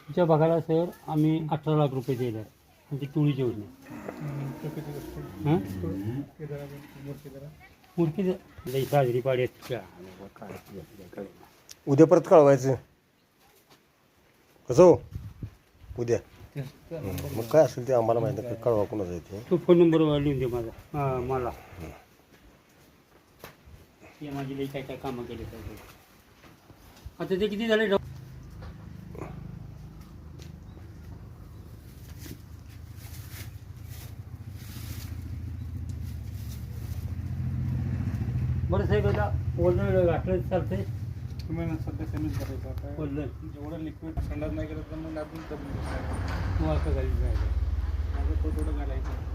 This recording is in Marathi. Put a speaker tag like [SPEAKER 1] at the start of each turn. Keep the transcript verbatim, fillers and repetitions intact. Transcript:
[SPEAKER 1] तुमच्या भागाला सर आम्ही अठरा लाख रुपये दिले आहे आणि ती टोळीची योजना हां मूर्ती लई साजरी पाडी
[SPEAKER 2] उद्या परत कळवायचं कसं हो उद्या मग काय असेल ते आम्हाला माहिती नाही कळवा कोणाचं आहे ते
[SPEAKER 1] तो फोन नंबर लिहून दे माझा हां मला ते माझी लई काय काय कामं केले पाहिजे आता ते किती झाले बरं साहेब आता ओलं घातलं चालतंय
[SPEAKER 3] तुम्ही सध्या सेमीच करायचं आता
[SPEAKER 1] ओलं
[SPEAKER 3] जेवढं लिक्विड संडास नाही केलं तर मग आपण
[SPEAKER 1] वाका घाली जायचं
[SPEAKER 3] माझं तो थोडं घालायचं